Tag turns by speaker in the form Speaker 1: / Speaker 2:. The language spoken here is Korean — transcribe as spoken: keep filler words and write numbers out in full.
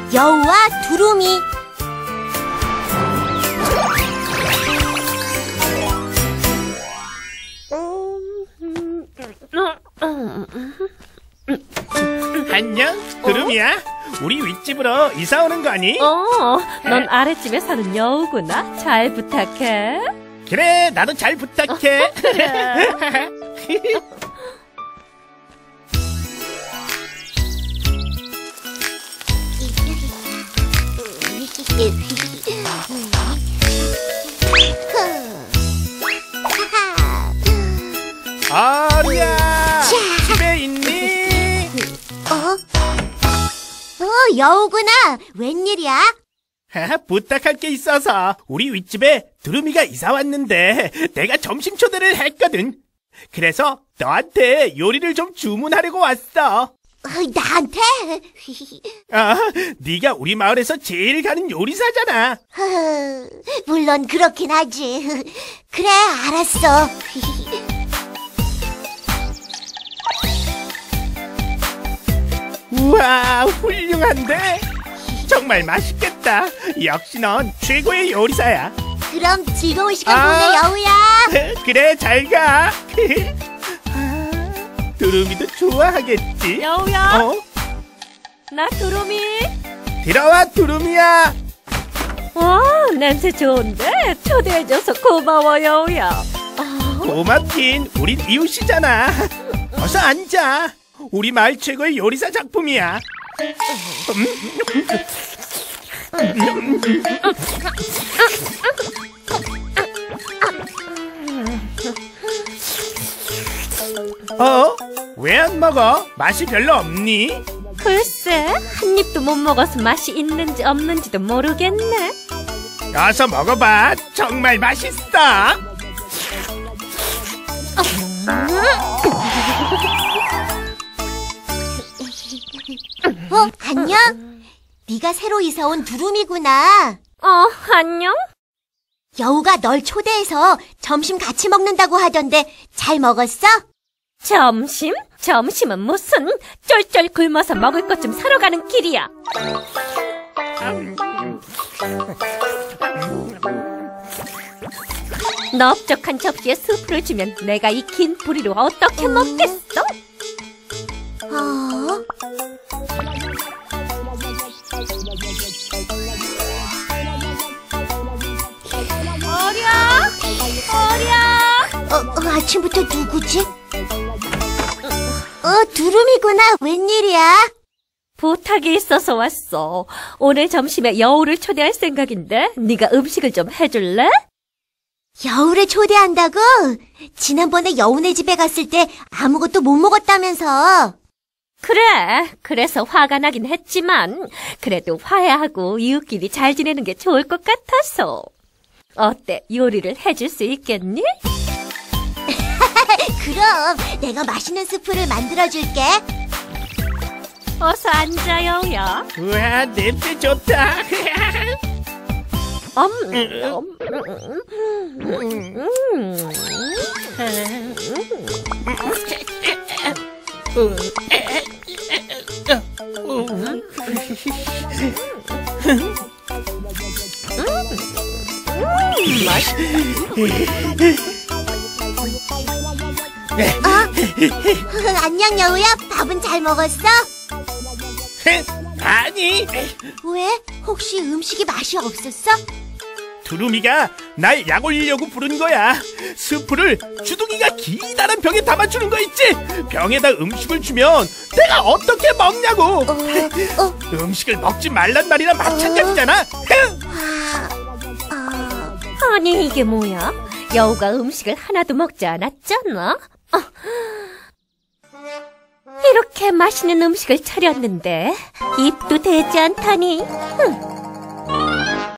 Speaker 1: 여우와 두루미.
Speaker 2: 안녕, 두루미야. 우리 윗집으로 이사 오는 거니?
Speaker 3: 어, 넌 아랫집에 사는 여우구나. 잘 부탁해.
Speaker 2: 그래, 나도 잘 부탁해. 어리야, 집에 있니?
Speaker 1: 어? 어, 여우구나. 웬일이야?
Speaker 2: 부탁할 게 있어서 우리 윗집에 두루미가 이사 왔는데 내가 점심 초대를 했거든. 그래서 너한테 요리를 좀 주문하려고 왔어.
Speaker 1: 어, 나한테?
Speaker 2: 아, 네가 우리 마을에서 제일 가는 요리사잖아.
Speaker 1: 어, 물론 그렇긴 하지. 그래, 알았어.
Speaker 2: 우와, 훌륭한데? 정말 맛있겠다. 역시 넌 최고의 요리사야.
Speaker 1: 그럼 즐거운 시간
Speaker 2: 아,
Speaker 1: 보내, 여우야.
Speaker 2: 그래, 잘 가. 두루미도 좋아하겠지?
Speaker 3: 여우야.
Speaker 2: 어?
Speaker 3: 나 두루미.
Speaker 2: 들어와, 두루미야.
Speaker 3: 와, 냄새 좋은데? 초대해줘서 고마워, 여우야. 아,
Speaker 2: 고맙긴, 우린 이웃이잖아. 어서 앉아. 우리 마을 최고의 요리사 작품이야. 어? 왜 안 먹어? 맛이 별로 없니?
Speaker 3: 글쎄, 한 입도 못 먹어서 맛이 있는지 없는지도 모르겠네.
Speaker 2: 어서 먹어봐. 정말 맛있어.
Speaker 1: 어, 안녕? 네가 새로 이사 온 두루미구나.
Speaker 3: 어, 안녕?
Speaker 1: 여우가 널 초대해서 점심 같이 먹는다고 하던데 잘 먹었어?
Speaker 3: 점심? 점심은 무슨 쫄쫄 굶어서 먹을 것 좀 사러 가는 길이야. 넓적한 접시에 스프를 주면 내가 이 긴 부리로 어떻게 먹겠어?
Speaker 1: 어?
Speaker 3: 어리야! 어리야!
Speaker 1: 어, 어, 아침부터 누구지? 어, 두루미구나. 웬일이야?
Speaker 3: 부탁이 있어서 왔어. 오늘 점심에 여우를 초대할 생각인데 네가 음식을 좀 해줄래?
Speaker 1: 여우를 초대한다고? 지난번에 여우네 집에 갔을 때 아무것도 못 먹었다면서.
Speaker 3: 그래, 그래서 화가 나긴 했지만 그래도 화해하고 이웃끼리 잘 지내는 게 좋을 것 같아서. 어때, 요리를 해줄 수 있겠니?
Speaker 1: 그럼 내가 맛있는 스프를 만들어줄게.
Speaker 3: 어서 앉아, 여우야.
Speaker 2: 우와, 냄새 좋다.
Speaker 3: 음, 음, 음, 음.
Speaker 1: 어? 안녕, 여우야. 밥은 잘 먹었어?
Speaker 2: 아니,
Speaker 1: 왜? 혹시 음식이 맛이 없었어?
Speaker 2: 두루미가 날 약 올리려고 부른 거야. 스프를 주둥이가 기다란 병에 담아주는 거 있지? 병에다 음식을 주면 내가 어떻게 먹냐고.
Speaker 1: 어, 어.
Speaker 2: 음식을 먹지 말란 말이랑 마찬가지잖아.
Speaker 1: 아, 아.
Speaker 3: 아니, 이게 뭐야? 여우가 음식을 하나도 먹지 않았잖아? 어. 이렇게 맛있는 음식을 차렸는데 입도 대지 않다니. 흠.